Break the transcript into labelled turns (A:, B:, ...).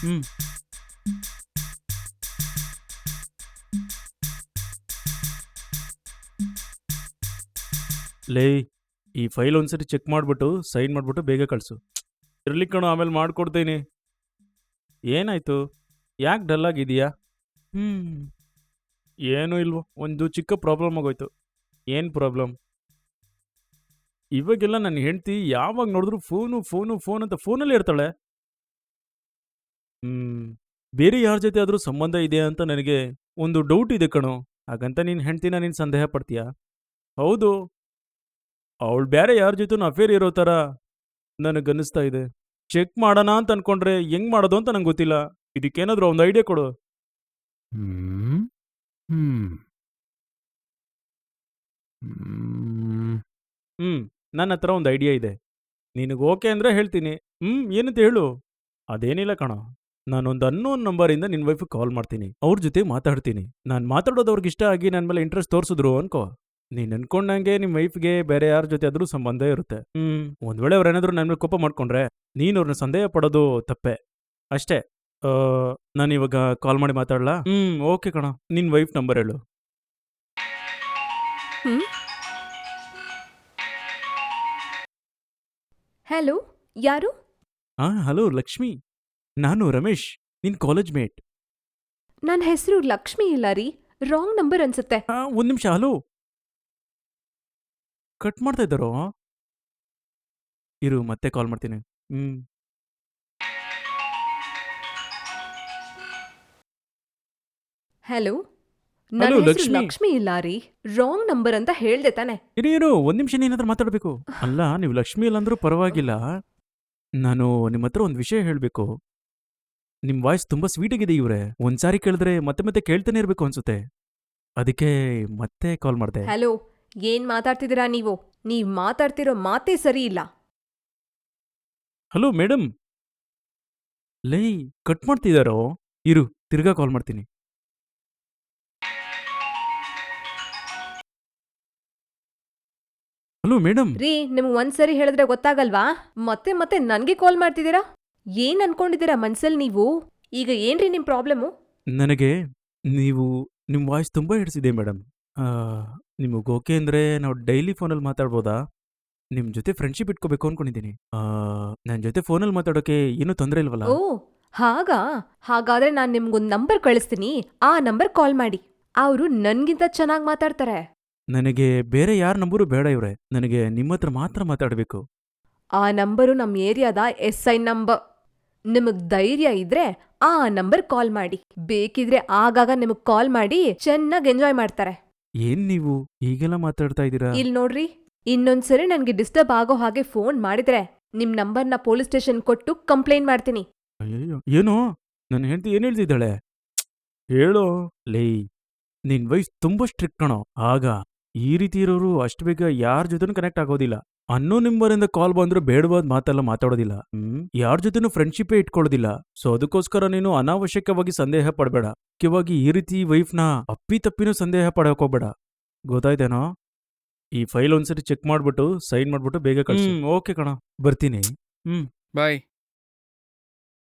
A: ಹ್ಮ್ ಲೇ, ಈ ಫೈಲ್ ಒಂದ್ಸರಿ ಚೆಕ್ ಮಾಡ್ಬಿಟ್ಟು ಸೈನ್ ಮಾಡ್ಬಿಟ್ಟು ಬೇಗ ಕಳ್ಸು. ಇರ್ಲಿ ಕಣೋ, ಆಮೇಲೆ ಮಾಡ್ಕೊಡ್ತೀನಿ. ಏನಾಯ್ತು? ಯಾಕೆ ಡಲ್ ಆಗಿದೀಯಾ? ಹ್ಮ್ ಏನೂ ಇಲ್ವೋ, ಒಂದು ಚಿಕ್ಕ ಪ್ರಾಬ್ಲಮ್ ಆಗೋಯ್ತು. ಏನ್ ಪ್ರಾಬ್ಲಮ್? ಇವಾಗೆಲ್ಲ ನನ್ನ ಹೆಂಡತಿ ಯಾವಾಗ ನೋಡಿದ್ರು ಫೋನು ಫೋನು ಫೋನ್ ಅಂತ ಫೋನಲ್ಲೇ ಇರ್ತಾಳೆ. ಹ್ಮ್ ಬೇರೆ ಯಾರ ಜೊತೆ ಆದ್ರೂ ಸಂಬಂಧ ಇದೆಯಾ ಅಂತ ನನಗೆ ಒಂದು ಡೌಟ್ ಇದೆ ಕಣೋ. ಹಾಗಂತ ನಿನ್ ಹೆಂಡ್ತಿನ ನೀನ್ ಸಂದೇಹ ಪಡ್ತೀಯಾ? ಹೌದು, ಅವಳು ಬೇರೆ ಯಾರ ಜೊತೆನೂ ಅಫೇರ್ ಇರೋ ಥರ ನನಗನ್ನಿಸ್ತಾ ಇದೆ. ಚೆಕ್ ಮಾಡೋಣ ಅಂತ ಅನ್ಕೊಂಡ್ರೆ ಹೆಂಗ್ ಮಾಡೋದು ಅಂತ ನಂಗೆ ಗೊತ್ತಿಲ್ಲ. ಇದಕ್ಕೇನಾದ್ರೂ ಒಂದು ಐಡಿಯಾ ಕೊಡು.
B: ಹ್ಮ್ ಹ್ಮ್ ಹ್ಮ್
A: ನನ್ನ ಹತ್ರ ಒಂದು ಐಡಿಯಾ ಇದೆ. ನಿನಗೆ ಓಕೆ ಅಂದ್ರೆ ಹೇಳ್ತೀನಿ. ಏನಂತ ಹೇಳು. ಅದೇನಿಲ್ಲ ಕಣೋ, ನಾನೊಂದು ಅನ್ನೋನ್ ನಂಬರಿಂದ ನಿನ್ನ ವೈಫ್ ಕಾಲ್ ಮಾಡ್ತೀನಿ. ಅವ್ರ ಜೊತೆ ಮಾತಾಡ್ತೀನಿ. ನಾನು ಮಾತಾಡೋದು ಅವ್ರಿಗೆ ಇಷ್ಟ ಆಗಿ ನನ್ನ ಮೇಲೆ ಇಂಟ್ರೆಸ್ಟ್ ತೋರಿಸಿದ್ರು ಅನ್ಕೋ, ನೀನು ಅನ್ಕೊಂಡಂಗೆ ನಿಮ್ಮ ವೈಫ್ಗೆ ಬೇರೆ ಯಾರ ಜೊತೆ ಆದ್ರೂ ಸಂಬಂಧ ಇರುತ್ತೆ. ಒಂದ್ ವೇಳೆ ಅವ್ರೇನಾದ್ರೂ ನನ್ನ ಮೇಲೆ ಕೋಪ ಮಾಡ್ಕೊಂಡ್ರೆ ನೀನು ಅವ್ರನ್ನ ಸಂದೇಹ ಪಡೋದು ತಪ್ಪೆ ಅಷ್ಟೇ. ನಾನು ಇವಾಗ ಕಾಲ್ ಮಾಡಿ ಮಾತಾಡ್ಲಾ? ಓಕೆ ಕಣ, ನಿನ್ನ ವೈಫ್ ನಂಬರ್ ಹೇಳು.
C: ಹ್ಮ್ ಹಲೋ, ಯಾರು?
A: ಹಲೋ ಲಕ್ಷ್ಮಿ, ನಾನು ರಮೇಶ್, ನಿನ್ ಕಾಲೇಜ್ ಮೇಟ್.
C: ನನ್ನ ಹೆಸರು ಲಕ್ಷ್ಮಿ ಇಲ್ಲ ರೀ, ರಾಂಗ್ ನಂಬರ್ ಅನ್ಸುತ್ತೆ.
A: ಒಂದ್ ನಿಮಿಷ, ಹಲೋ. ಕಟ್ ಮಾಡ್ತಾ ಇದ್ದಾರೋ? ಇರು, ಮತ್ತೆ ಕಾಲ್ ಮಾಡ್ತೀನಿ.
C: ಹಲೋ,
A: ಹಲೋ
C: ನನ್ನ ಹೆಸರು
A: ಲಕ್ಷ್ಮಿ.
C: ಲಕ್ಷ್ಮಿ ಇಲ್ಲ ರೀ, ರಾಂಗ್ ನಂಬರ್ ಅಂತ ಹೇಳ್ದೆ ತಾನೆ.
A: ಇರು ಒಂದ್ ನಿಮಿಷ, ನೀನಾದ್ರೂ ಮಾತಾಡ್ಬೇಕು. ಅಲ್ಲ, ನೀವು ಲಕ್ಷ್ಮಿ ಇಲ್ಲ ಅಂದ್ರೂ ಪರವಾಗಿಲ್ಲ. ನಾನು ನಿಮ್ಮ ಹತ್ರ ಒಂದು ವಿಷಯ ಹೇಳ್ಬೇಕು. ನಿಮ್ ವಾಯ್ಸ್ ತುಂಬಾ ಸ್ವೀಟ್ ಆಗಿದೆ ಇವ್ರೆ. ಒಂದ್ಸಾರಿ ಕೇಳಿದ್ರೆ ಮತ್ತೆ ಮತ್ತೆ ಕೇಳ್ತಾನೆ ಇರ್ಬೇಕು ಅನ್ಸುತ್ತೆ. ಅದಕ್ಕೆ ಮತ್ತೆ ಕಾಲ್ ಮಾಡ್ದೆ.
C: ಹಲೋ, ಏನ್ ಮಾತಾಡ್ತಿದ್ದೀರಾ ನೀವು? ನೀವ್ ಮಾತಾಡ್ತಿರೋ ಮಾತೇ ಸರಿ ಇಲ್ಲ.
A: Hello madam. ಲೈ, ಕಟ್ ಮಾಡ್ತಿದಾರೋ? ಇರು, ತಿರ್ಗಾ ಕಾಲ್ ಮಾಡ್ತೀನಿ. Hello madam.
C: ರೀ, ನಿಮ್ಗ್ ಒಂದ್ಸರಿ ಹೇಳಿದ್ರೆ ಗೊತ್ತಾಗಲ್ವಾ? ಮತ್ತೆ ಮತ್ತೆ ನನ್ಗೆ ಕಾಲ್ ಮಾಡ್ತಿದ್ದೀರಾ? ಏನ್ ಅನ್ಕೊಂಡಿದ್ದೀರಾ ಮನ್ಸಲ್ ನೀವು? ಈಗ ಏನ್ರಿ ನಿಮ್ ಪ್ರಾಬ್ಲಮ್ಮು?
A: ನನಗೆ ನೀವು ನಿಮ್ಮ ವಾಯ್ಸ್ ತುಂಬಾ ಹಿಡಿಸಿದೆ ಮೇಡಮ್. ನಿಮಗೆ ಓಕೆ ಅಂದ್ರೆ ನಾವು ಡೈಲಿ ಫೋನಲ್ಲಿ ಮಾತಾಡ್ಬೋದಾ? ನಿಮ್ಮ ಜೊತೆ ಫ್ರೆಂಡ್ಶಿಪ್ ಇಟ್ಕೋಬೇಕು ಅನ್ಕೊಂಡಿದ್ದೀನಿ. ನನ್ನ ಜೊತೆ ಫೋನಲ್ಲಿ ಮಾತಾಡೋಕೆ ಏನೂ ತೊಂದರೆ ಇಲ್ವಲ್ಲ?
C: ಓ, ಹಾಗಾ? ಹಾಗಾದ್ರೆ ನಾನ್ ನಿಮ್ಗೊಂದ್ ನಂಬರ್ ಕಳಿಸ್ತೀನಿ, ಆ ನಂಬರ್ ಕಾಲ್ ಮಾಡಿ. ಅವ್ರು ನನ್ಗಿಂತ ಚೆನ್ನಾಗ್ ಮಾತಾಡ್ತಾರೆ.
A: ನನಗೆ ಬೇರೆ ಯಾರ ನಂಬರು ಬೇಡ ಇವ್ರೆ. ನನಗೆ ನಿಮ್ಮ ಹತ್ರ ಮಾತ್ರ ಮಾತಾಡಬೇಕು.
C: ಆ ನಂಬರು ನಮ್ ಏರಿಯಾದ SI ನಂಬರ್. ನಿಮಗ್ ಧೈರ್ಯ ಇದ್ರೆ ಆ ನಂಬರ್ ಕಾಲ್ ಮಾಡಿ. ಬೇಕಿದ್ರೆ ಆಗಾಗ ನಿಮಗ್ ಕಾಲ್ ಮಾಡಿ ಚೆನ್ನಾಗ್ ಎಂಜಾಯ್ ಮಾಡ್ತಾರೆ.
A: ಏನ್ ನೀವು ಹೀಗೆಲ್ಲ ಮಾತಾಡ್ತಾ ಇದ್ದೀರಾ?
C: ಇಲ್ ನೋಡ್ರಿ, ಇನ್ನೊಂದ್ಸರಿ ನನ್ಗೆ ಡಿಸ್ಟರ್ಬ್ ಆಗೋ ಹಾಗೆ ಫೋನ್ ಮಾಡಿದ್ರೆ ನಿಮ್ ನಂಬರ್ನ ಪೊಲೀಸ್ ಸ್ಟೇಷನ್ ಕೊಟ್ಟು ಕಂಪ್ಲೇಂಟ್ ಮಾಡ್ತೀನಿ.
A: ಅಯ್ಯಯ್ಯೋ, ಏನೋ ನನ್ನ ಹೆಂಡತಿ ಏನ್ ಹೇಳ್ತಿದ್ದಾಳೆ? ಹೇಳೋ. ಲೇ, ನಿನ್ ವೈಫ್ ತುಂಬಾ ಸ್ಟ್ರಿಕ್ಟ್ ಕಣೋ. ಆಗ ಈ ರೀತಿ ಇರೋರು ಅಷ್ಟು ಬೇಗ ಯಾರ ಜೊತೆನೂ ಕನೆಕ್ಟ್ ಆಗೋದಿಲ್ಲ. ಅನ್ನೋ ನಿಂಬರಿಂದ ಕಾಲ್ ಬಂದ್ರೆ ಬೇಡವಾದ ಮಾತೆಲ್ಲ ಮಾತಾಡೋದಿಲ್ಲ. ಯಾರ ಜೊತೆನೂ ಫ್ರೆಂಡ್ಶಿಪ್ಪೇ ಇಟ್ಕೊಳ್ಳೋದಿಲ್ಲ. ಸೊ ಅದಕ್ಕೋಸ್ಕರ ನೀನು ಅನಾವಶ್ಯಕವಾಗಿ ಸಂದೇಹ ಪಡಬೇಡ. ಮುಖ್ಯವಾಗಿ ಈ ರೀತಿ ವೈಫ್ನ ಅಪ್ಪಿತಪ್ಪಿನೂ ಸಂದೇಹ ಪಡಕ್ ಹೋಗ್ಬೇಡ. ಗೊತ್ತಾಯ್ತೇನೋ? ಈ ಫೈಲ್ ಒಂದ್ಸರಿ ಚೆಕ್ ಮಾಡ್ಬಿಟ್ಟು ಸೈನ್ ಮಾಡ್ಬಿಟ್ಟು ಬೇಗ ಕಳ್ಸು. ಓಕೆ ಕಣ, ಬರ್ತೀನಿ.
B: ಬಾಯ್.